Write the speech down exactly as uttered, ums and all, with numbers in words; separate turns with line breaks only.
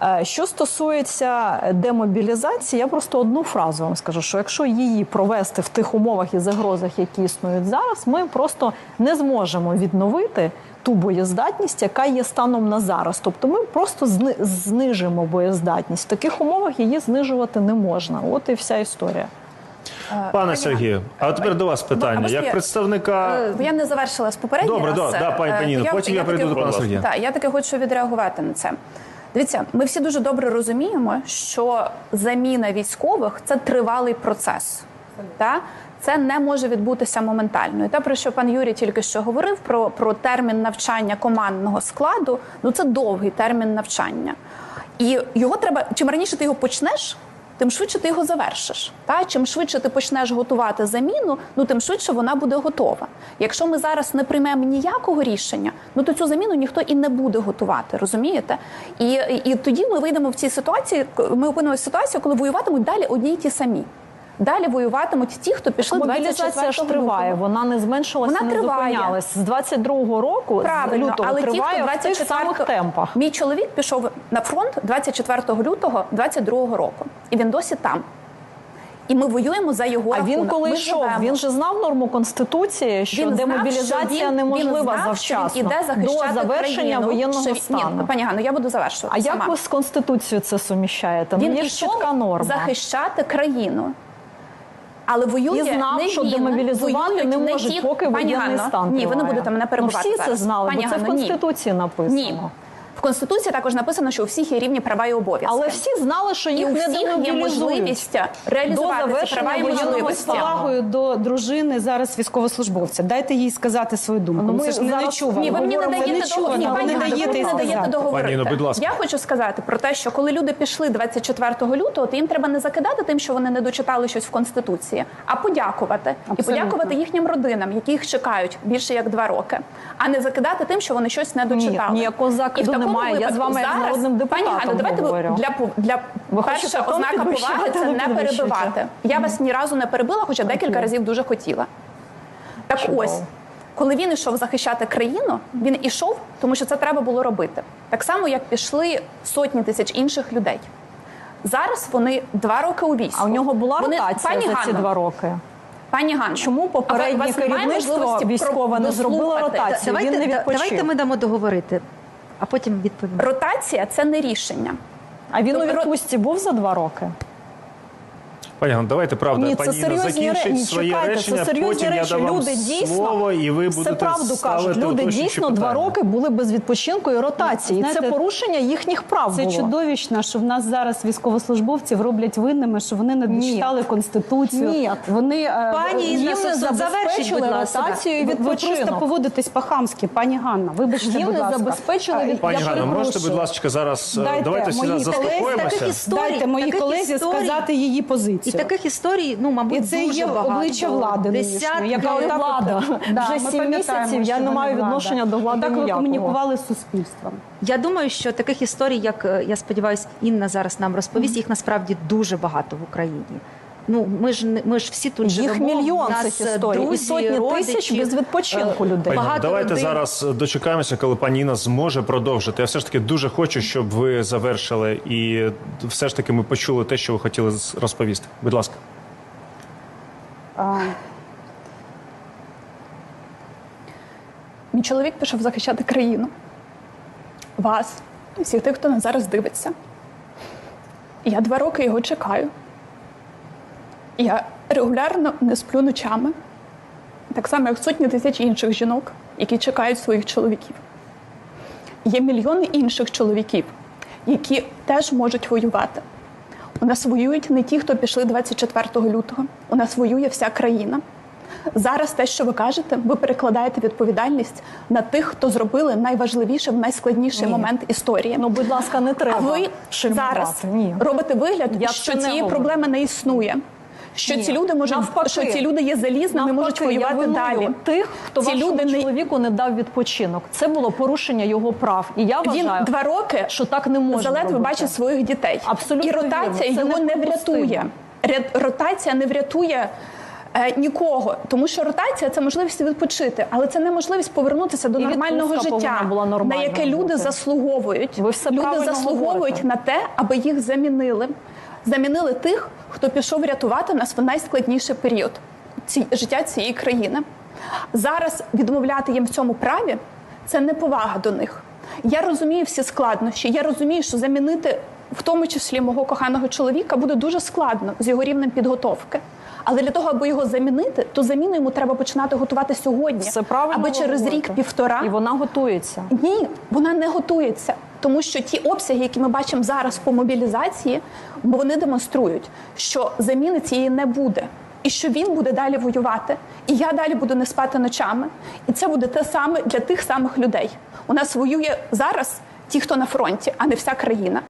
Що стосується демобілізації, я просто одну фразу вам скажу, що якщо її провести в тих умовах і загрозах, які існують зараз, ми просто не зможемо відновити ту боєздатність, яка є станом на зараз. Тобто ми просто знижимо боєздатність. В таких умовах її знижувати не можна. От і вся історія.
Пане Сергію, а тепер до вас питання. Як представника...
Я не завершила з попередній
Добре,
раз.
Да, пані Паніно, потім я, я прийду до пана Сергія.
Так, я таки хочу відреагувати на це. Дивіться, ми всі дуже добре розуміємо, що заміна військових – це тривалий процес. Так? Це не може відбутися моментально. І те, про що пан Юрій тільки що говорив, про, про термін навчання командного складу, ну це довгий термін навчання. І його треба, чим раніше ти його почнеш, тим швидше ти його завершиш. Та? Чим швидше ти почнеш готувати заміну, ну тим швидше вона буде готова. Якщо ми зараз не приймемо ніякого рішення, ну то цю заміну ніхто і не буде готувати, розумієте? І, і, і тоді ми вийдемо в цій ситуації, ми опинимося в ситуації, коли воюватимуть далі одні й ті самі. Далі воюватимуть ті, хто пішли двадцять четвертого
мобілізація ж триває, вона не зменшилася,
вона
не
триває.
зупинялась. З двадцять другого року,
правильно,
з лютого,
але
триває
ті, хто
в тих самих темпах.
Мій чоловік пішов на фронт двадцять четвертого лютого двадцять другого року. І він досі там. І ми воюємо за його
а
рахунок.
А він коли
ми
йшов,
живемо.
він же знав норму Конституції, що
він
демобілізація
знав, що він,
неможлива
він знав,
завчасно,
що він іде захищати
до завершення
країну,
воєнного
що...
стану.
Ні, пані Ганно, я буду завершувати
А
сама.
як ви з Конституцією це суміщаєте?
Він
ну, є
ішов
чітка норма.
захищати країну. Але воює
і знав,
не
що
він,
демобілізувати не можуть,
ті...
поки воєнний стан триває.
Ні, ви не будете мене перебивати.
Ну, всі це знали,
Пані
бо це
Ганно,
в Конституції
ні.
написано.
Ні. В Конституції також написано, що у всіх є рівні права і обов'язки.
Але всі знали, що їх
і
не
демобілізують. І у всіх є можливість реалізувати ці права і можливості.
З повагою до дружини зараз військовослужбовця. Дайте їй сказати свою думку.
Ну,
ми, ми ж не чуємо.
Ні, ви мені не даєте договорити.
Пані, ну, будь ласка.
Я хочу сказати про те, що коли люди пішли двадцять четвертого лютого, то їм треба не закидати тим, що вони не дочитали щось в Конституції, а подякувати. Абсолютно. І подякувати їхнім родинам, які їх чекають більше як два роки, а не закидати тим, що вони щось не дочитали.
Ні, ніякого закиду немає. Я з вами як народним депутатом
Пані Ганно, давайте
говорю.
для, для
ви
перша ознака поваги – це не перебивати. Я вас ні разу не перебила, хоча декілька разів дуже хотіла. Так
Чудово.
ось, коли він ішов захищати країну, він ішов, тому що це треба було робити. Так само, як пішли сотні тисяч інших людей. Зараз вони два роки у війську.
А у нього була
вони...
ротація
Пані
за ці
Ганно,
два роки?
Пані Ганно,
чому попереднє керівництво військове не зробило ротацію?
Давайте,
він не відпочив.
Давайте ми дамо договорити, а потім відповімо.
Ротація – це не рішення.
А він у відпустці був за два роки?
Пані Ганно, давайте, правда,
Ні, це
пані Інна закінчить
ні,
своє
чекайте,
речення,
це серйозні
потім
речі.
я дам вам
люди дійсно,
слово, і ви будете
це правду
ставити
кажуть. Люди
уточнюючі
дійсно
питання.
два роки були без відпочинку і ротації.
Знаєте,
це порушення їхніх прав
Це
було.
чудовищно, що в нас зараз військовослужбовців роблять винними, що вони не дочитали Конституцію.
Ні.
Вони,
Пані Інна,
їм не
забезпечили
ротацію і
ви
відпочинок.
просто поводитесь по-хамськи, пані Ганна. Вибачте,
Їм
будь
не
ласка.
забезпечили відпочинок.
Пані
Я
Ганно, можете,
перепрошую.
будь ласка, зараз
Дайте
давайте всі
моїй
заспокоїмося.
історій,
Дайте моїй
таких
колезі
історій.
сказати її
І
позицію.
таких історій, ну, мабуть,
І це
дуже
є
багато.
обличчя влади нинішньої,
Десятки.
яка
Яка
отак
влада?
от- Да,
Вже
ми
сім
пам'ятаємо,
місяців я
що
не
вона
маю
влада.
відношення до влади
Так ви
ніякого.
комунікували з суспільством.
Я думаю, що таких історій, як, е, я сподіваюся, Інна зараз нам розповість, їх насправді дуже багато в Україні. Ну, ми ж, не- ми ж всі тут
Їх
живемо.
мільйон
в нас
цих історій. І
друзі,
сотні
родичі,
тисяч без відпочинку
е,
людей.
Пані Ганно,
Багато
давайте
родин.
зараз дочекаємося, коли пані Інна зможе продовжити. Я все ж таки дуже хочу, щоб ви завершили і все ж таки ми почули те, що ви хотіли розповісти. Будь ласка.
А,
Мій чоловік пішов захищати країну. Вас, і всіх тих, хто нас зараз дивиться. І я два роки його чекаю. І я регулярно не сплю ночами. Так само, як сотні тисяч інших жінок, які чекають своїх чоловіків. Є мільйони інших чоловіків, які теж можуть воювати. У нас воюють не ті, хто пішли двадцять четвертого лютого. У нас воює вся країна. Зараз те, що ви кажете, ви перекладаєте відповідальність на тих, хто зробили найважливіше в найскладніший
Ні.
момент історії.
Ну, будь ласка, не треба
А ви
шельмувати.
зараз
Ні.
робите вигляд,
Я
що
це не
цієї
говорю.
проблеми не існує. Що
Ні.
ці люди можуть,
Навпаки.
що ці люди є залізними, можуть
Навпаки, я
воювати
виную
далі.
тих, хто
ці
вашому
люди не
чоловіку не дав відпочинок. Це було порушення його прав. І я
він
вважаю,
два роки
що так не можна
заледве
робити.
бачить своїх дітей.
Абсолютно
І ротація
вірно. Це
його не
неприпустимо.
врятує. Ря- Ротація не врятує Е, нікого, тому що ротація – це можливість відпочити, але це не можливість повернутися до
І
нормального
відпустка
життя,
повинна була
на
нормальною
яке люди
бути.
заслуговують.
Ви все
Люди
правильно
заслуговують
говорите.
на те, аби їх замінили. Замінили тих, хто пішов рятувати нас в найскладніший період ці, життя цієї країни. Зараз відмовляти їм в цьому праві – це неповага до них. Я розумію всі складнощі, я розумію, що замінити в тому числі мого коханого чоловіка буде дуже складно з його рівнем підготовки. Але для того, аби його замінити, то заміну йому треба починати готувати сьогодні,
Все правильно
аби через
говорите.
рік-півтора.
І вона готується.
Ні, вона не готується. Тому що ті обсяги, які ми бачимо зараз по мобілізації, вони демонструють, що заміни цієї не буде. І що він буде далі воювати. І я далі буду не спати ночами. І це буде те саме для тих самих людей. У нас воює зараз ті, хто на фронті, а не вся країна.